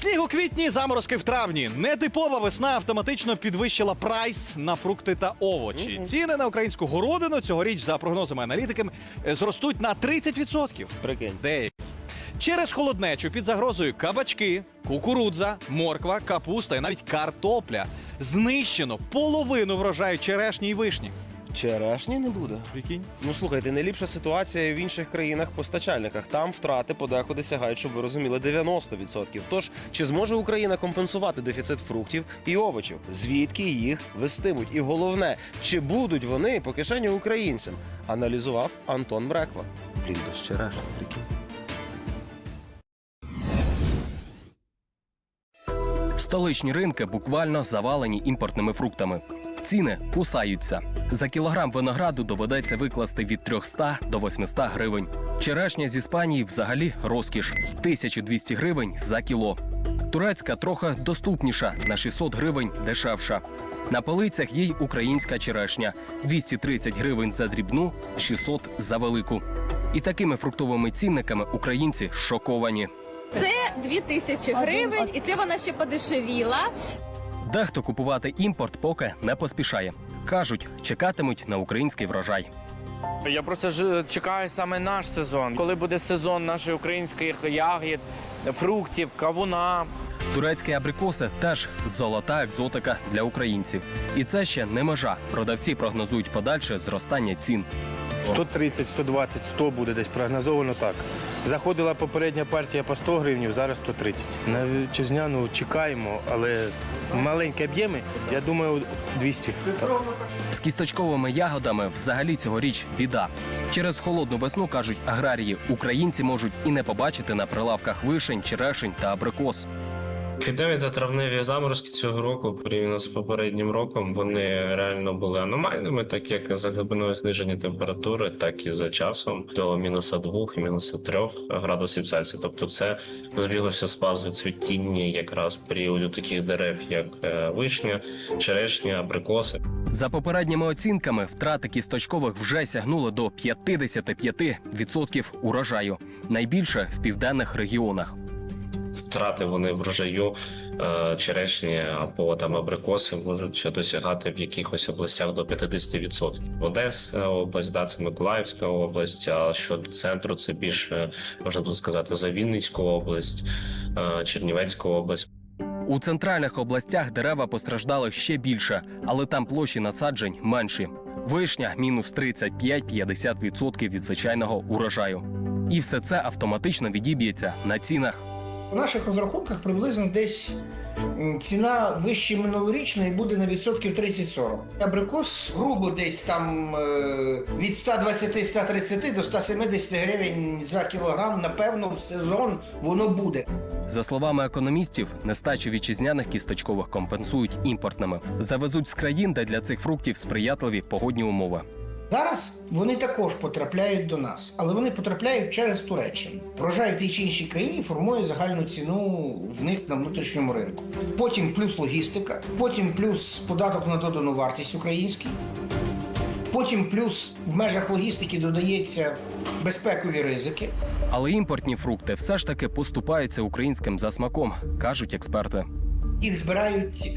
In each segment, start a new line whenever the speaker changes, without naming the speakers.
Сніг у квітні, заморозки в травні. Нетипова весна автоматично підвищила прайс на фрукти та овочі. Ціни на українську городину цьогоріч, за прогнозами аналітиків, зростуть на 30%.
Прикинь.
Деякі. Через холоднечу під загрозою кабачки, кукурудза, морква, капуста і навіть картопля. Знищено половину врожаю черешні й вишні.
Черешні не буде.
Прикинь.
Ну, слухайте, не ліпша ситуація в інших країнах-постачальниках. Там втрати подекуди сягають, щоб ви розуміли, 90%. Тож, чи зможе Україна компенсувати дефіцит фруктів і овочів? Звідки їх вестимуть? І головне, чи будуть вони по кишені українцям? Аналізував Антон Бреква. Блін, без черешні, прикинь.
Столичні ринки буквально завалені імпортними фруктами. Ціни кусаються. За кілограм винограду доведеться викласти від 300 до 800 гривень. Черешня з Іспанії взагалі розкіш – 1200 гривень за кіло. Турецька трохи доступніша – на 600 гривень дешевша. На полицях є й українська черешня – 230 гривень за дрібну, 600 за велику. І такими фруктовими цінниками українці шоковані.
Це 2000 гривень, і це вона ще подешевіла.
Дехто купувати імпорт поки не поспішає. Кажуть, чекатимуть на український врожай.
Я просто чекаю саме наш сезон. Коли буде сезон наших українських ягід, фруктів, кавуна.
Турецькі абрикоси теж золота екзотика для українців. І це ще не межа. Продавці прогнозують подальше зростання цін.
130, 120, 100 буде десь прогнозовано так. Заходила попередня партія по 100 гривень, зараз 130. На вітчизняну чекаємо, але маленькі об'єми, я думаю, 200. Так.
З кісточковими ягодами взагалі цьогоріч біда. Через холодну весну, кажуть аграрії, українці можуть і не побачити на прилавках вишень, черешень та абрикос.
Квітневі та травневі заморозки цього року, порівняно з попереднім роком, вони реально були аномальними, так як за глибиною зниження температури, так і за часом до -2 і -3 градусів Цельсія. Тобто це збіглося з фазою цвітіння якраз періоду таких дерев, як вишня, черешня, абрикоси.
За попередніми оцінками, втрати кісточкових вже сягнули до 55% урожаю. Найбільше в південних регіонах.
Втрати вони врожаю черешні або там абрикоси можуть досягати в якихось областях до 50%. Одеська область, да, це Миколаївська область, а щодо центру це більше, можна тут сказати, за Вінницьку область, Чернівецьку область.
У центральних областях дерева постраждали ще більше, але там площі насаджень менші. Вишня – мінус 35-50% від звичайного урожаю. І все це автоматично відіб'ється на цінах.
У наших розрахунках приблизно десь ціна вище минулорічної буде на відсотків 30-40. Абрикос грубо десь там від 120-130 до 170 гривень за кілограм, напевно, в сезон воно буде.
За словами економістів, нестачу вітчизняних кісточкових компенсують імпортними. Завезуть з країн, де для цих фруктів сприятливі погодні умови.
Зараз вони також потрапляють до нас, але вони потрапляють через Туреччину. Врожай в тій чи іншій країні формує загальну ціну в них на внутрішньому ринку. Потім плюс логістика, потім плюс податок на додану вартість український, потім плюс в межах логістики додається безпекові ризики.
Але імпортні фрукти все ж таки поступаються українським за смаком, кажуть експерти.
Їх збирають,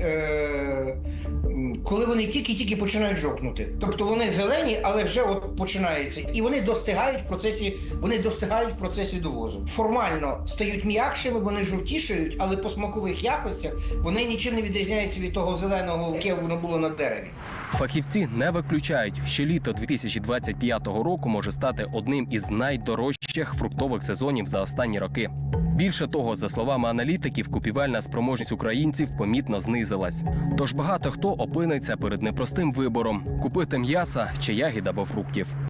коли вони тільки-тільки починають жовкнути. Тобто вони зелені, але вже от починається. І вони достигають в процесі довозу. Формально стають м'якшими, вони жовтішають, але по смакових якостях вони нічим не відрізняються від того зеленого, яке воно було на дереві.
Фахівці не виключають, що літо 2025 року може стати одним із найдорожчих фруктових сезонів за останні роки. Більше того, за словами аналітиків, купівельна спроможність українців помітно знизилась. Тож багато хто опиниться перед непростим вибором – купити м'яса чи ягід або фруктів.